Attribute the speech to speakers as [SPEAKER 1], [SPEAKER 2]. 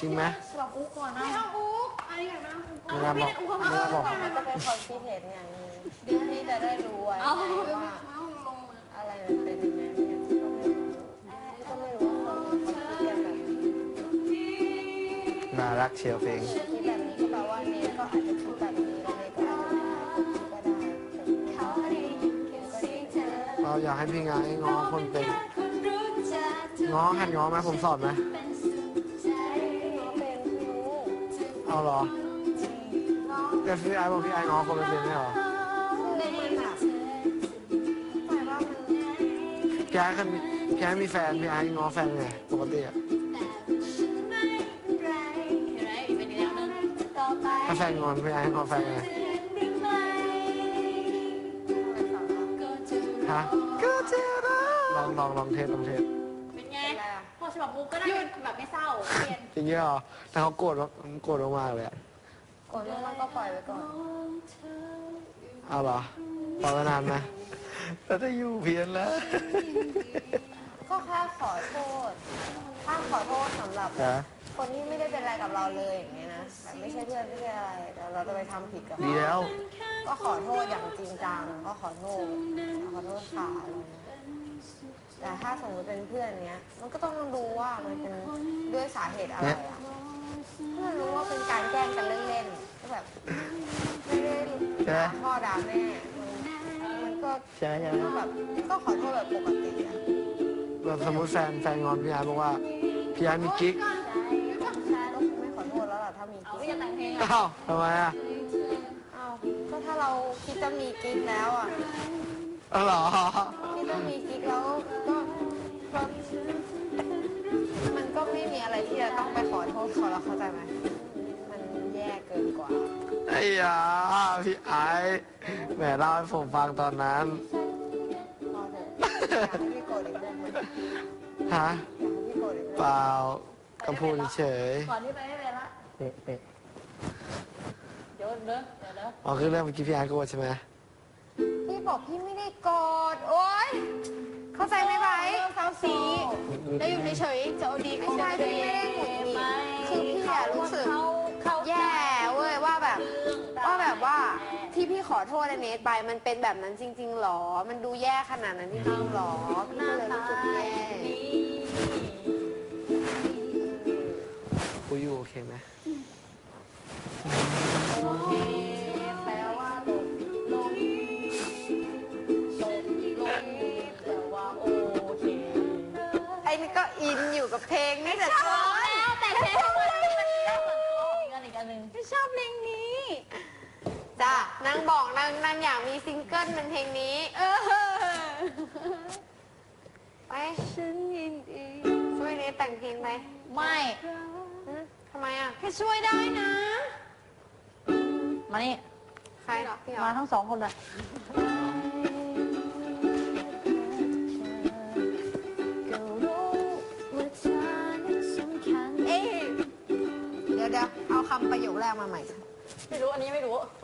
[SPEAKER 1] จริงไหม
[SPEAKER 2] สลับอุ๊กก่อนนะไม่เอาอุ๊กอันนี้อยากนั่งอุ๊ก
[SPEAKER 1] ไม่ได้บอก
[SPEAKER 3] มันก็เป็นความคิดเห็นอย่างนึงที่จะได้รู้ไว้ว่าอะไรมันเป็นยังไงเนี่ยก็ไม่รู้ว่าคนเขาคิดกันแบบ
[SPEAKER 1] น่ารักเชียวเพลง
[SPEAKER 3] คิดแบบนี้ก็แปลว่าเนทก็อาจจะคิดแบบนี้แล้วเนทก็อาจจะคิดก็ได้
[SPEAKER 1] เราอยากให้พี่งานให้ง้อคนเป็นง้อหัดง้อไหมผมสอนไหมเอาเหรอแต่พี่ไอ้บอกพี่ไอ้ง้อคนไม่เป็นไม่เหรอพี่ไอ้มีแฟนพี่ไอ้ง้อแฟนไงปกติอะถ้าแฟนงอนพี่ไอ้ง้อแฟนไงฮะลองเทส
[SPEAKER 2] เป็นไงพอฉบับอุ๊กก็ได้แบบไม่เศร้าเปลี่ยน
[SPEAKER 1] จริงเหรอแต่เขาโกรธมากเลยอะ
[SPEAKER 3] โกรธมากก็ปล่อยไว้ก่อน
[SPEAKER 1] เอาเหรอปล่อยไว้นานไหมแล้วจะอยู่เพี้ยนแล้ว
[SPEAKER 3] ก็แค่ขอโทษถ้าขอโทษสำหรับคนที่ไม่ได้เป็นอะไรกับเราเลยอย่างเงี้ยนะแบบไม่ใช่เพื่อนไม่ใช่อะไรแต่เราจะไปทำผิดกับเขา
[SPEAKER 1] ดีแล้ว
[SPEAKER 3] ก็ขอโทษอย่างจริงจังก็ขอโทษค่ะอะไรเงี้ยแต่ถ้าสมมติเป็นเพื่อนเนี้ยมันก็ต้องดูว่ามันเป็นด้วยสาเหตุอะไรอ่ะเพื่อนรู้ว่าเป็นการแกล้งกันเล่นๆก็แบบไม่ได้ด่าพ่อด่าแม่มันก็แบบก็ขอโทษแบบปกติอ่ะ
[SPEAKER 1] แบบสมมติแฟนงอนพี่ไอ้บอกว่าพี่ไอ้มีกิ๊ก
[SPEAKER 3] ไม่ขอโทษแล้วล่ะถ้ามีกิ๊ก
[SPEAKER 2] จะแต่งเพลง
[SPEAKER 1] อ้าวทำไมอ่ะ
[SPEAKER 3] อ้าวก็ถ้าเราคิดจะมีกิ๊กแล้วอ่ะ
[SPEAKER 1] เหรอ
[SPEAKER 3] คิดจะมีกิ๊กแล้วก็มันก็ไม่มีอะไรที่จะต้องไปขอโทษเขาแล้วเข้าใจไหมมันแย่เกินกว่า
[SPEAKER 1] ไอ้ยาพี่ไอ้แหมเล่าให้ผมฟังตอนนั้น
[SPEAKER 3] พอเถอะอยากให้พี่โกรธอีกเรื่องนึง
[SPEAKER 1] ฮะ
[SPEAKER 3] อยากให้พี่โกรธอีกเรื่อง
[SPEAKER 1] เปล่าก็พูดเฉย
[SPEAKER 2] ก่อนที่ไปไม่เป็นละ
[SPEAKER 1] เป๊ะ
[SPEAKER 2] เดี๋ยว
[SPEAKER 1] อ๋อคือเรื่องเมื่อกี้พี่ไอ้โกรธใช่ไหม
[SPEAKER 3] พี่บอกพี่ไม่ได้โกรธโอ๊ยเข้าใจไหมไบเศร้าสีแล้วอยู่เฉยๆจะเอาดีไม่ใช่พี่ไม่ได้หงุดหงิดคือพี่อะรู้สึกแย่เว้ยว่าแบบว่าที่พี่ขอโทษเนทไปมันเป็นแบบนั้นจริงๆหรอมันดูแย่ขนาดนั้นจริงๆหรอพี่ก็เลยรู้สึกแย่
[SPEAKER 1] คุยอยู่โอเคไหม
[SPEAKER 3] โอเคแปลว่าลง
[SPEAKER 2] แปลว่าโอเค
[SPEAKER 3] ไอ้นี่ก็อินอยู่กับเพลงนี่แต่ชอบ
[SPEAKER 2] แต่เพลงมันอีกอันหนึ่ง
[SPEAKER 3] ไม่ชอบเพลงนี้จ้ะนางบอกนางอยากมีซิงเกิลเป็นเพลงนี้ไปฉันยินดีช่วยเนทแต่งเพลงไหม
[SPEAKER 2] ไม่
[SPEAKER 3] ทำไมอ่ะ
[SPEAKER 2] แค่ช่วยได้นะมานี่
[SPEAKER 3] ใครหรอพี่หรอ
[SPEAKER 2] มาทั้งสองคนเลย
[SPEAKER 3] เดี๋ยวเอาคำประโยคแรกมาใหม่
[SPEAKER 2] ไม่รู้อันนี้ไม่รู้